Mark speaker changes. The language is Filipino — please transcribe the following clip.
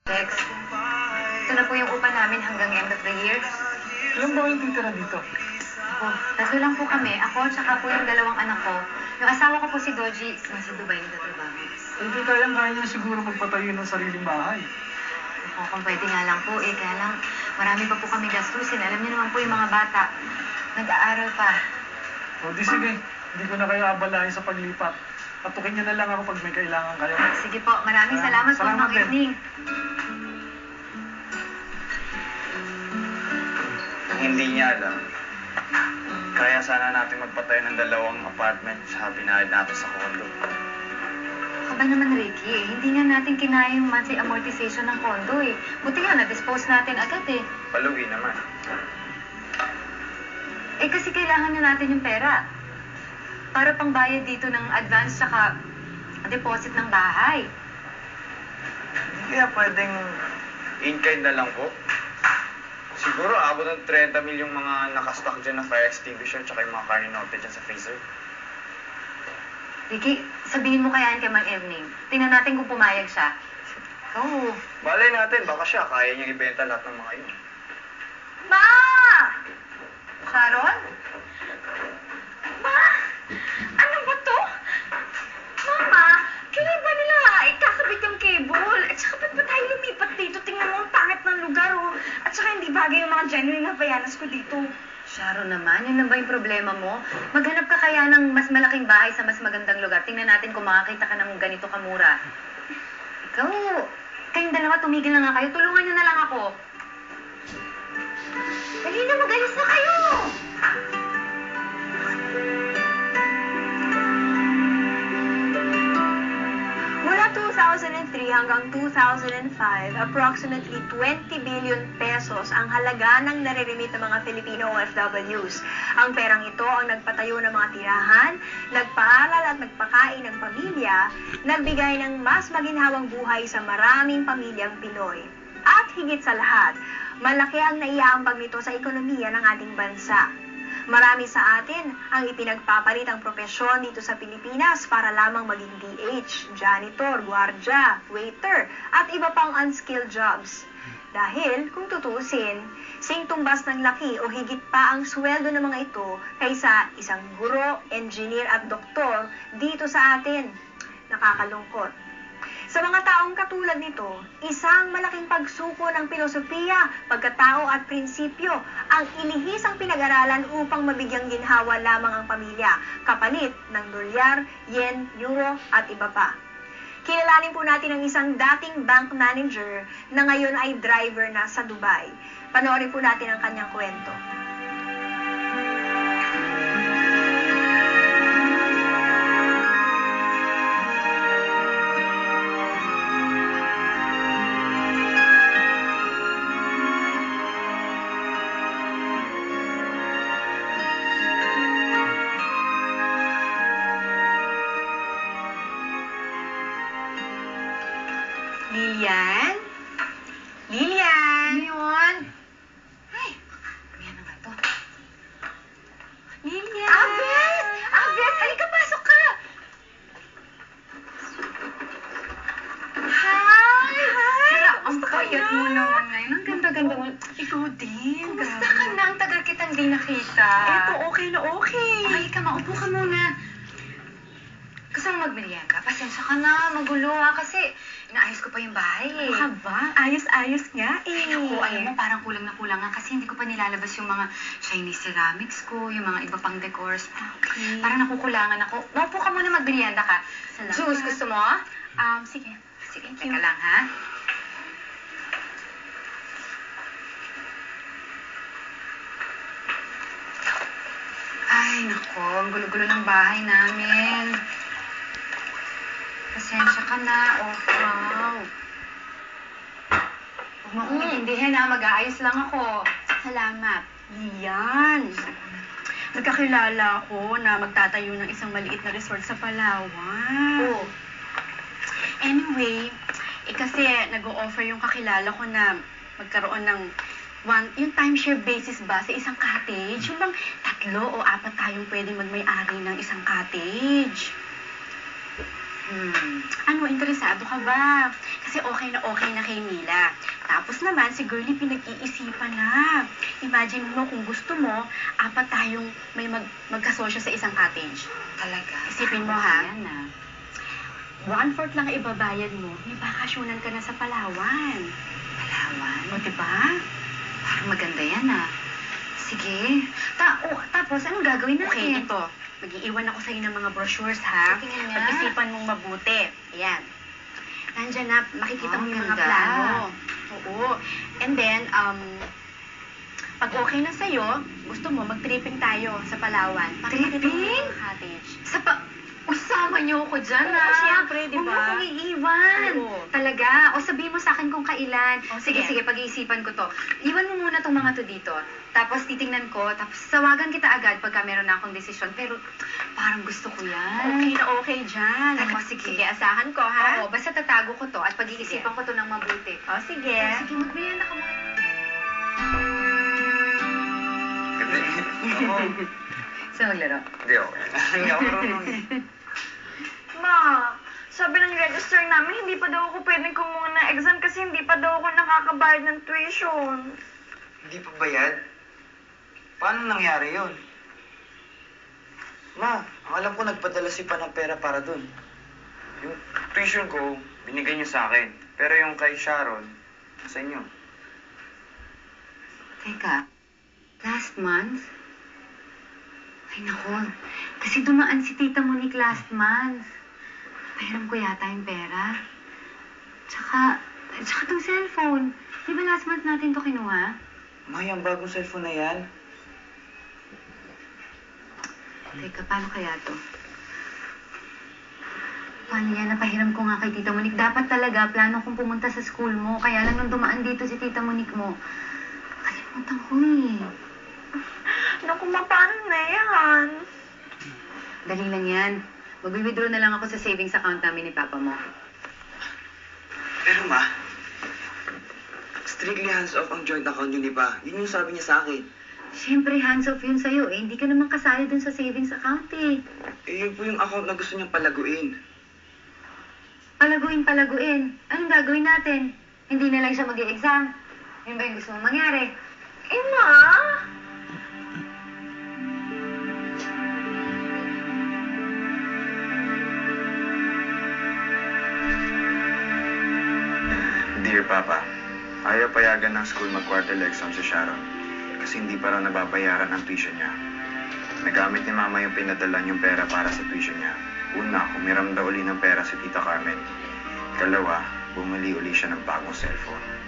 Speaker 1: Lex, ito na po yung upa namin hanggang end of the year.
Speaker 2: Ilan ba kayong titira dito?
Speaker 1: Opo, tatlo lang po kami. Ako, tsaka po yung dalawang anak ko. Yung asawa ko po si Doji, nasa Dubai nagtatrabaho.
Speaker 2: Hindi kaya niya siguro magpatayo ng sariling bahay.
Speaker 1: Opo, kung pwede nga lang po eh. Kaya lang, marami pa po kami gastusin. Alam niyo naman po yung mga bata. Nag-aaral pa.
Speaker 2: O di sige, hindi ko na kayo abalahin sa paglipat. Patukin niyo na lang ako pag may kailangan kayo.
Speaker 1: Sige po, maraming salamat po.
Speaker 2: Salamat din.
Speaker 1: Evening.
Speaker 3: Hindi niya alam. Kaya sana natin magpatayo ng 2 apartment sa binayad natin sa condo.
Speaker 1: Aba naman, Ricky, eh. Hindi nga natin kinaya yung monthly amortization ng condo eh. Buti nga, na-dispose natin agad eh.
Speaker 3: Paluwi naman.
Speaker 1: Eh kasi kailangan na natin yung pera. Para pang bayad dito ng advance tsaka deposit ng bahay.
Speaker 3: Hindi kaya pwedeng in-kind na lang po. Siguro abot ng 30 mil yung mga nakastock dyan na fire extinguisher tsaka yung mga carninote dyan sa freezer.
Speaker 1: Ricky, sabihin mo kaya kay Mang Evening. Tingnan natin kung pumayag siya. Oo.
Speaker 3: Balay natin, baka siya kaya niyang ibenta lahat ng mga yun.
Speaker 1: Ma! Sharon?
Speaker 4: Ma! Ano ba to? Mama, kailan ba nila ikakabit yung cable? At saka ba't ba tayo lumipat dito? Tingnan mo ang pangit ng lugar, oh. At saka hindi bagay yung mga genuine na bayanas ko dito.
Speaker 1: Sharon naman, yun na ba yung problema mo? Maghanap ka kaya ng mas malaking bahay sa mas magandang lugar. Tingnan natin kung makakita ka ng ganito kamura. Ikaw, kayong dalawa tumigil na nga kayo. Tulungan niyo na lang ako.
Speaker 4: Dali na, mag-alis na kayo! Mula 2003 hanggang 2005, approximately 20 billion pesos ang halaga ng nare-remit ng mga Filipino OFWs. Ang perang ito ang nagpatayo ng mga tirahan, nagpaaral at nagpakain ng pamilya, nagbigay ng mas maginhawang buhay sa maraming pamilyang Pinoy. At higit sa lahat, malaki ang naiaambag nito sa ekonomiya ng ating bansa. Marami sa atin ang ipinagpapalit ang propesyon dito sa Pilipinas para lamang maging DH, janitor, gwardiya, waiter, at iba pang unskilled jobs. Dahil, kung tutusin, singtumbas ng laki o higit pa ang sweldo ng mga ito kaysa isang guro, engineer at doktor dito sa atin. Nakakalungkot. Sa mga taong katulad nito, isang malaking pagsuko ng filosofiya, pagkatao at prinsipyo ang inihis ang pinag-aralan upang mabigyang ginhawa lamang ang pamilya, kapalit ng dolyar, yen, euro at iba pa. Kilalanin po natin ang isang dating bank manager na ngayon ay driver na sa Dubai. Panoorin po natin ang kanyang kwento.
Speaker 1: Lilian? Lilian? Ano yun? Ay, yan na nga to. Lilian!
Speaker 4: Abes! Abes! Halika, pasok ka! Hi! Hi!
Speaker 1: Ang payat mo naman ngayon. Ang ganda-ganda mo. Ikaw din. Kumusta ka na? Ang tagal kitang di nakita.
Speaker 4: Eto, okay na okay.
Speaker 1: Ay, ka, maupo ka muna. Gusto mo magmerienda? Pasensya ka na, magulo kasi inaayos ko pa yung bahay eh.
Speaker 4: Ano ka ba? Ayos-ayos nga eh.
Speaker 1: Ay, naku, alam mo, parang kulang na kulang nga kasi hindi ko pa nilalabas yung mga Chinese ceramics ko, yung mga iba pang decors.
Speaker 4: Okay.
Speaker 1: Parang nakukulangan ako. Maupo ka muna, magmerienda ka.
Speaker 4: Salamat.
Speaker 1: Juice, gusto mo?
Speaker 4: Sige.
Speaker 1: Sige, teka lang ha. Ay, naku, ang gulo-gulo ng bahay namin. Pasensya ka na, wow. Huwag mo akong intindihin ha, mag-aayos lang ako.
Speaker 4: Salamat. Yan. Nagkakilala ako na magtatayo ng isang maliit na resort sa Palawan.
Speaker 1: Oh.
Speaker 4: Anyway, kasi nag-o-offer yung kakilala ko na magkaroon ng yung timeshare basis ba sa isang cottage? Yung bang 3 o 4 tayong pwedeng magmay-ari ng isang cottage?
Speaker 5: Ano, interesado ka ba? Kasi okay na kay Mila. Tapos naman, si Girlie pinag-iisipan na. Imagine mo kung gusto mo, 4 tayong may magkasosyo sa isang cottage.
Speaker 1: Talaga?
Speaker 5: Isipin mo, ha?
Speaker 1: Ayan,
Speaker 5: 1/4 lang ibabayad mo, may bakasyonan ka na sa Palawan.
Speaker 1: Palawan?
Speaker 5: O, diba?
Speaker 1: Parang maganda yan, Sige. Tapos, anong gagawin natin?
Speaker 5: Okay, ito. Mag-iiwan ako sa'yo ng mga brochures, ha?
Speaker 1: Sige nga.
Speaker 5: Pag-isipan mong mabuti. Ayan. Nandyan na, makikita mo yung mga
Speaker 1: ganda.
Speaker 5: plano. Oo. And then, pag okay na sa'yo, gusto mo, mag-tripping tayo sa Palawan. Makikita mo
Speaker 1: Tripping?
Speaker 5: yung cottage.
Speaker 1: Usama niyo ako dyan,
Speaker 5: Oo, siyempre, di ba?
Speaker 1: Huwag mo akong iiwan.
Speaker 5: Oo.
Speaker 1: Talaga. O sabihin mo sa akin kung kailan.
Speaker 5: O,
Speaker 1: Sige,
Speaker 5: sige.
Speaker 1: pag-iisipan ko to. Iwan mo muna tong mga to dito. Tapos titingnan ko. Tapos sawagan kita agad pagka meron na akong desisyon. Pero parang gusto ko yan.
Speaker 5: Okay na okay dyan.
Speaker 1: Talaga,
Speaker 5: Sige,
Speaker 1: sige.
Speaker 5: asahan ko, ha?
Speaker 1: Oo, basta tatago ko to at pag-iisipan ko to ng mabuti.
Speaker 5: O, sige.
Speaker 1: Sige, magbiyan ka muna.
Speaker 3: Hindi.
Speaker 1: Sa maglaro.
Speaker 3: Hindi, okay. Hindi ako marunong eh.
Speaker 4: Ma, sabi ng register namin, hindi pa daw ako pwedeng kumuha ng exam kasi hindi pa daw ako nakakabayad ng tuition.
Speaker 3: Hindi pa bayad? Paano nangyari yun? Ma, ang alam ko nagpadala si Pa ng pera para dun. Yung tuition ko, binigay niyo sa akin. Pero yung kay Sharon, sa inyo.
Speaker 1: Teka, last month? Ay naku, kasi dumaan si Tita Monique last month. Pahiram ko yata yung pera. Tsaka tong cellphone. Di ba last month natin to kinuha?
Speaker 3: Ma, yung bagong cellphone na yan?
Speaker 1: Teka, paano kaya to? Paano yan? Napahiram ko nga kay Tita Monique. Dapat talaga, plano kong pumunta sa school mo. Kaya lang nung dumaan dito si Tita Monique mo, kalimutan ko eh.
Speaker 4: Naku, ma, paano na yan?
Speaker 1: Dali lang yan. Mag-withdraw na lang ako sa savings account namin ni Papa mo.
Speaker 6: Pero ma, strictly hands-off ang joint account yun, di ba? Yun yung sabi niya sa akin.
Speaker 1: Siyempre, hands off yun sa'yo eh. Hindi ka naman kasali dun sa savings account eh.
Speaker 6: Eh, yun po yung account na gusto niyang palaguin.
Speaker 1: Palaguin. Anong gagawin natin? Hindi na lang siya mag-i-exam. Yun ba yung gusto mong mangyari?
Speaker 4: Eh, ma?
Speaker 3: Dear Papa, ayaw payagan ng school mag-quarterly exam si Sharon kasi hindi pa raw nababayaran ang tuition niya. Nagamit ni Mama yung pinadala niyong pera para sa tuition niya. Una, humiram daw uli ng pera si Tita Carmen. Ikalawa, bumili uli siya ng bagong cellphone.